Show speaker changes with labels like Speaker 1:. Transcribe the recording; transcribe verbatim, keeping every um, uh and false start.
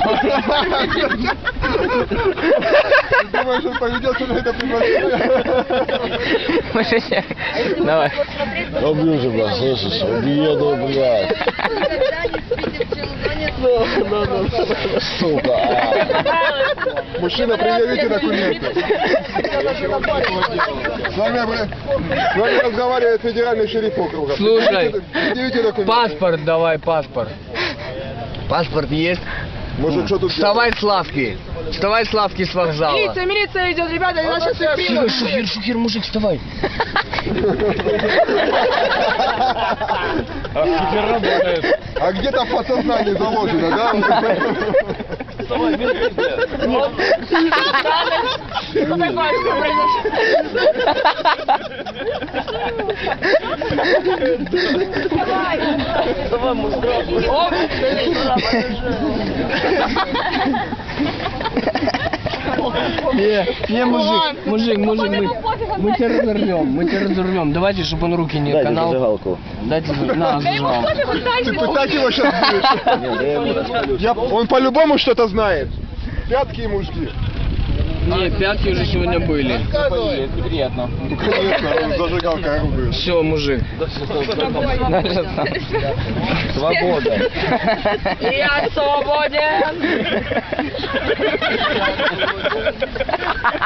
Speaker 1: Ты думаешь, он поведется на это приглашение?
Speaker 2: Давай.
Speaker 3: Убью тебя, слышишь? Убью, блядь. Сука.
Speaker 1: Мужчина, предъявите документы. С вами, обра- с вами разговаривает федеральный шериф округа.
Speaker 2: Слушай,
Speaker 1: Предъявите документы.
Speaker 2: паспорт давай, паспорт. Паспорт есть?
Speaker 1: Может, что тут
Speaker 2: Вставай с лавки. Вставай с лавки с вокзала.
Speaker 4: Милиция, милиция идет, ребята, нас сейчас всех примут.
Speaker 2: Шухер, шухер, мужик, вставай.
Speaker 1: А где-то в подсознании заложено, да?
Speaker 2: Не, не, мужик, мужик, мужик, мы, мы тебя разорвем, мы тебя разорвем. Давайте, чтобы он руки не
Speaker 3: Дайте
Speaker 2: канал.
Speaker 3: зажигалку.
Speaker 2: Дайте, на, зажигалку.
Speaker 1: Ты пытать его сейчас будешь? Я- Он по-любому что-то знает. Пятки ему жги.
Speaker 2: Не, пятки уже сегодня были.
Speaker 1: Приятно. Ну, конечно, зажигалка оружие.
Speaker 2: Все, мужик.
Speaker 3: Свобода.
Speaker 4: Я свободен.